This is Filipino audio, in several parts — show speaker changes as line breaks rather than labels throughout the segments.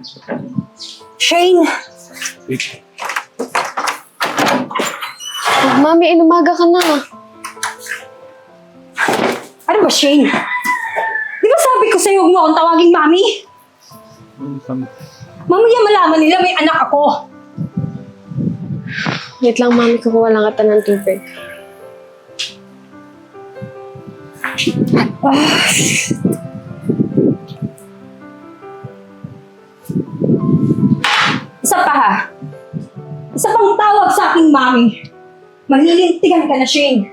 Shane!
Mami, inumaga ka na.
Ano ba, Shane? Di ba sabi ko sa'yo huwag mo akong tawaging mami? Mamaya malaman nila may anak ako.
Wait lang, mami, kukuha lang kita ng tubig.
Isa pa ha. Isa pang tawag sa aking mami. Malilintigan ka na, Shane.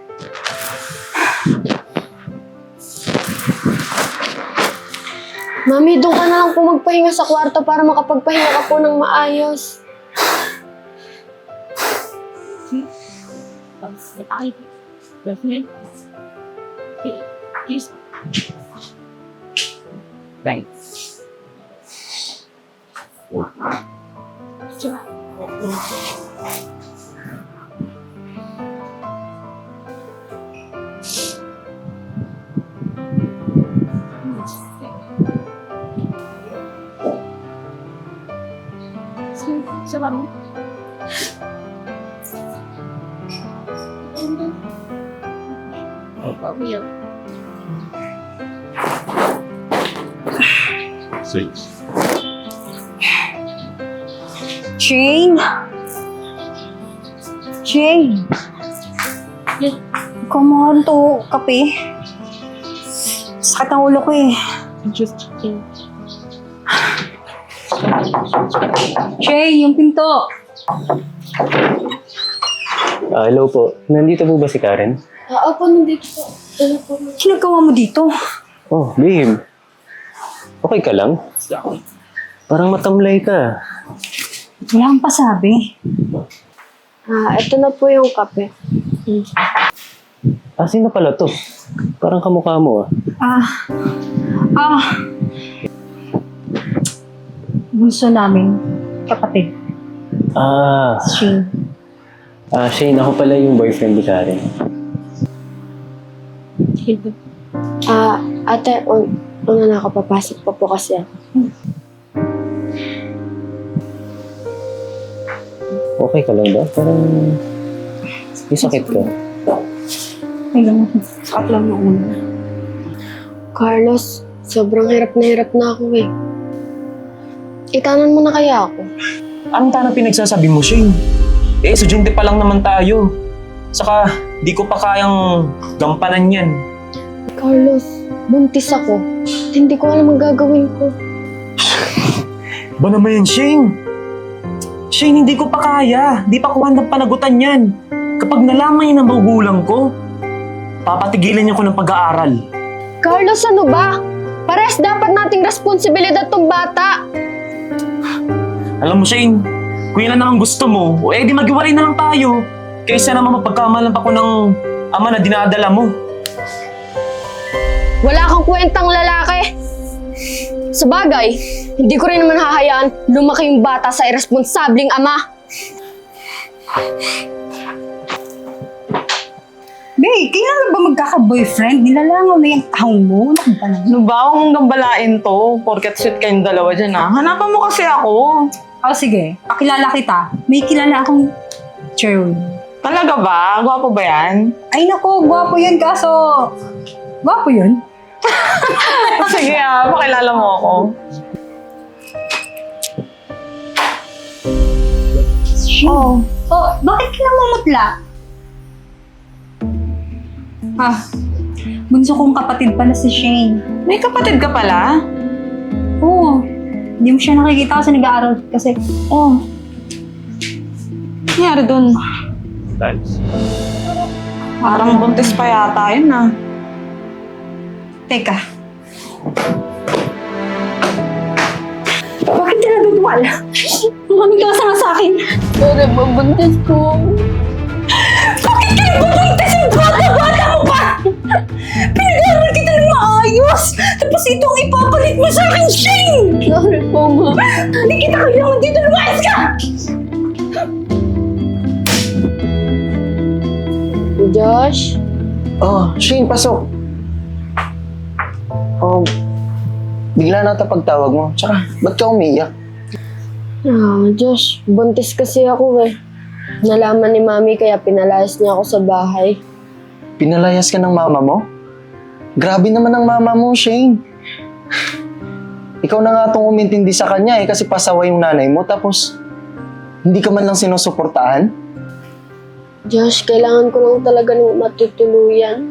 Mami, doon ka na lang po magpahinga sa kwarto para makapagpahinga ka po ng maayos.
Thanks.
Six.
Shane! Shane! Kumuha to kape. Sakit ang ulo ko eh. Shane, yung pinto.
Hello po. Nandito po ba si Karen?
Opo, nandito po. Ano po?
Sinagawa mo dito?
Oh, babe. Okay ka lang? Parang matamlay ka.
Wala kang pasabi.
Ito na po yung kape.
Sino pala to? Parang kamukha mo
Bunso namin, kapatid, Shane.
Shane, ako pala yung boyfriend ni Karen.
Ate, una na ako, papasok pa po kasi ako.
Okay ka lang ba? Parang may sakit ka.
Ay, sakit lang ng ulo.
Carlos, sobrang hirap na ako eh. Itanan mo na kaya ako?
Anong tanong pinagsasabi mo, Shane? Estudyante pa lang naman tayo. Saka, di ko pa kayang gampanan yan.
Carlos, buntis ako. Hindi ko alam ang gagawin ko.
Ba naman yan, Shane? Shane, hindi ko pa kaya. Di pa ko handang panagutan yan. Kapag nalaman yan ng magulang ko, papatigilan niya ko ng pag-aaral.
Carlos, ano ba? Pares dapat nating responsibilidad tong bata.
Alam mo, Shane, kung yan ang gusto mo, di maghiwalay na lang tayo. Kaysa naman mapagkamalan pa ko ng ama na dinadala mo.
Wala kang kwentang lalaki. Sa bagay, hindi ko rin naman hahayaan lumaki yung bata sa irresponsabling ama.
Babe, kailan ba magkaka-boyfriend? Nilalangaw na yung taong mo. Ano ba na?
Ano ba? Huwag mong gambalain to. Porket sweet kayong dalawa dyan, ha? Hanapan mo kasi ako.
Sige, pakilala kita. May kilala akong Sherwin.
Talaga ba? Gwapo ba yan?
Ay nako, gwapo yun kaso... Gwapo yun?
Sige, pakilala mo ako.
Bakit ka namumutla? Bunso kong kapatid pala si Shane.
May kapatid ka pala?
Oo, hindi mo siya nakikita kasi nag-aaral kasi...
Nangyari dun.
Thanks.
Parang buntis pa yata yun, ha?
Teka. Bakit ka naduduwala? Mamamig ka nga sa akin.
Pero mabuntis ko.
Bakit ka nagbubuntis yung bata-bata mo pa? Pinag-aaral kita ng maayos! Tapos itong ipapalit mo sa akin, Shane!
Sorry po, ma.
Hindi kita kailangan dito, lumayas ka!
Josh?
Shane, pasok. Bigla na pagtawag mo. Tsaka, ba't ka umiyak?
Josh, buntis kasi ako eh. Nalaman ni Mami kaya pinalayas niya ako sa bahay.
Pinalayas ka ng mama mo? Grabe naman ang mama mo, Shane. Ikaw na nga itong umintindi sa kanya kasi pasaway yung nanay mo tapos hindi ka man lang sinusuportahan?
Josh, kailangan ko lang talaga ng matutuluyan.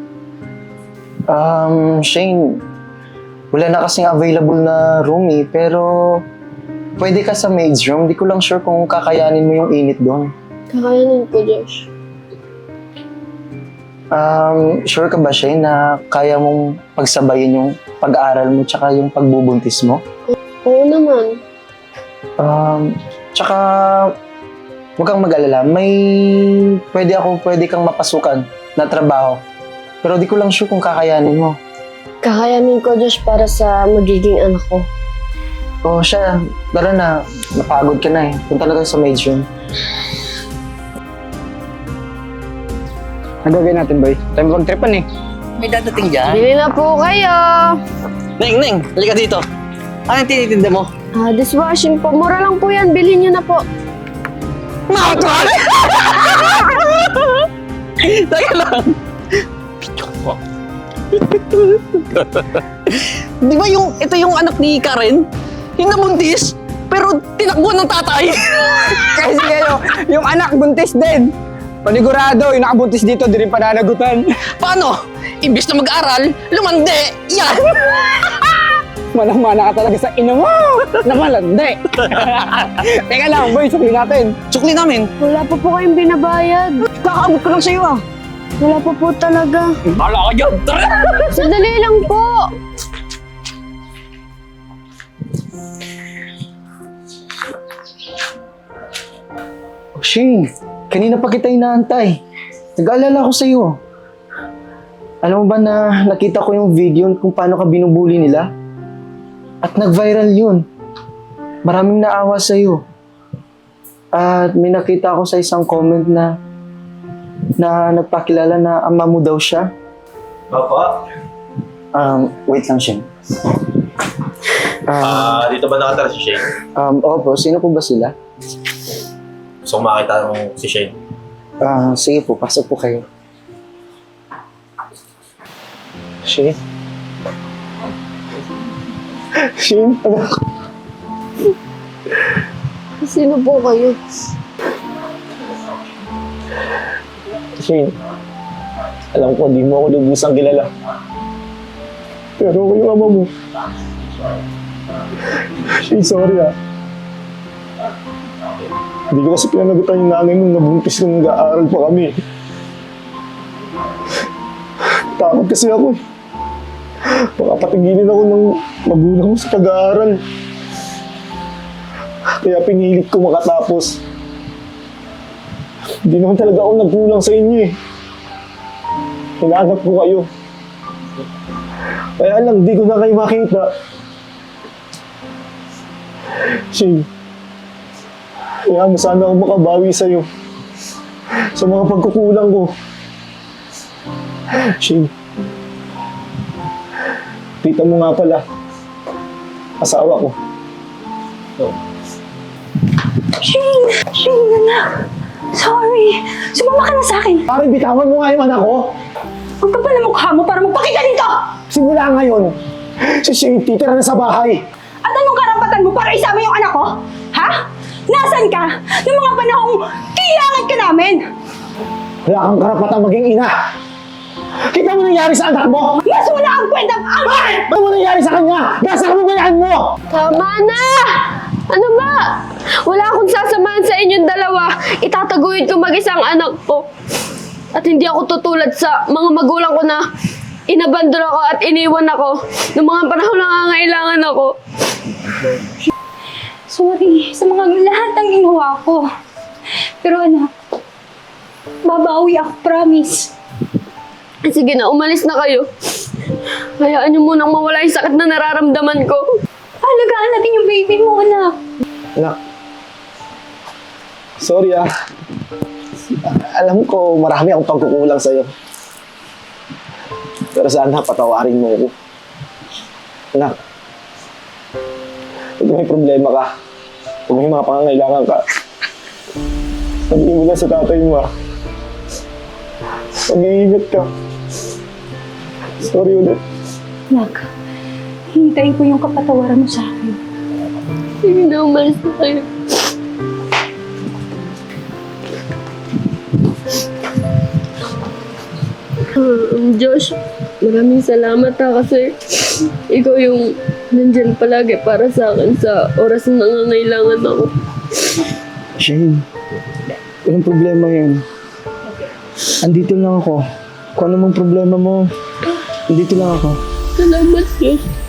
Shane, wala na kasing available na room pero pwede ka sa maid's room. Di ko lang sure kung kakayanin mo yung init doon.
Kakayanin ko, Josh.
Sure ka ba, Shane, na kaya mong pagsabayin yung pag-aaral mo tsaka yung pagbubuntis mo?
Oo naman.
Tsaka, huwag kang mag-alala. Pwede kang mapasukan na trabaho. Pero di ko lang sure kung kakayanin mo.
Kakayanin ko, Josh, para sa magiging anak ko.
O siya, tara na. Napagod ka na eh. Punta na tayo sa maid's room.
Ano gagawin natin, boy? Tayo mag-tripan eh.
May dadating dyan.
Bili na po kayo!
Neng, halika dito. Ano yung tinitinda mo?
Dishwashing po. Mura lang po yan. Bilhin nyo na po.
Makatuwa! Teka lang. Di ba ito yung anak ni Karen? Yung nabuntis, pero tinakbo ng tatay.
Kasi kayo, yung anak buntis din. Panigurado, yung nakabuntis dito, di rin pananagutan.
Paano? Imbis na mag-aral, lumande. Yan!
Manang-mana ka talaga sa ina mo! Namalandi! Teka lang, boy, sukli natin.
Sukli namin.
Wala pa po kayong binabayad.
Kakaabot ko lang sa'yo ah.
Wala pa po talaga.
Bahala ka dyan. Tara!
Sandali lang po.
Oh, Shane, kanina pa kita inaantay. Nag-aalala ko sa'yo. Alam mo ba na nakita ko yung video kung paano ka binubuli nila? At nag-viral yun. Maraming naawa sa'yo. At may nakita ako sa isang comment na nagpakilala na ama mo daw siya.
Papa?
Wait lang, Shane.
Dito ba nakatara si Shane?
Opo, sino po ba sila?
Gusto ko makita ng si Shane.
Sige po, pasok po kayo. Shane? Shane, anak.
Sino po kayo?
Shane, alam ko, di mo ako lubusang kilala. Pero ako yung ama mo. Shane, sorry ah. Hindi ko kasi pinanagutan yung nanay mo na buntis kong nag-aaral pa kami. Takot kasi ako eh. Baka patigilin ako ng magulang mo sa pag-aaral. Kaya pinilit ko makatapos. Hindi naman talaga ako nagkulang sa inyo eh. Hinahanap ko kayo. Kaya lang, di ko na kayo makita. Shane, kaya mo sana ako makabawi sa'yo sa mga pagkukulang ko. Shane, tita mo nga pala, asawa ko.
Shane, anak. Sorry. Sumama ka na sa akin.
Parang bitawan mo nga yung anak ko.
Ang kapal na mukha mo para magpakita dito!
Simula ngayon, si Shane titira na sa bahay.
At anong karapatan mo para isama yung anak ko? Ha? Nasaan ka? Noong mga panahong kailangan ka namin!
Wala kang karapatang maging ina. Kita mo nangyari sa anak mo?
Mas wala kang kwentang ama!
Ano mo nangyari sa kanya? Nasa kabubayaan mo!
Tama na! Ano ba? Wala akong sasamahan sa inyong dalawa. Itataguyod ko mag-isang anak ko. At hindi ako tutulad sa mga magulang ko na inabandon ako at iniwan ako noong mga panahon na nangangailangan ako.
Sorry sa mga lahat ng ginawa ko. Pero anak, babawi ako, promise.
Sige na, umalis na kayo. Hayaan niyo munang mawala yung sakit na nararamdaman ko.
Alagaan natin yung baby mo, anak.
Anak, sorry ah. Alam ko marami akong pagkukulang sa'yo. Pero sana patawarin mo ako. Anak, kung may problema ka,
Kung may mga pangangailangan ka, sabihin mo lang sa tatay mo, ah. Mag-iingat ka. Sorry ulit.
Nak, hintayin ko yung kapatawaran mo sa akin.
Sige na, umalis na kayo. Josh, maraming salamat kasi ikaw yung nandyan palagi para sa akin sa oras na nangangailangan ako.
Shane, walang problema yun. Andito lang ako. Kung ano mang problema mo, andito lang ako.
Salamat, Josh.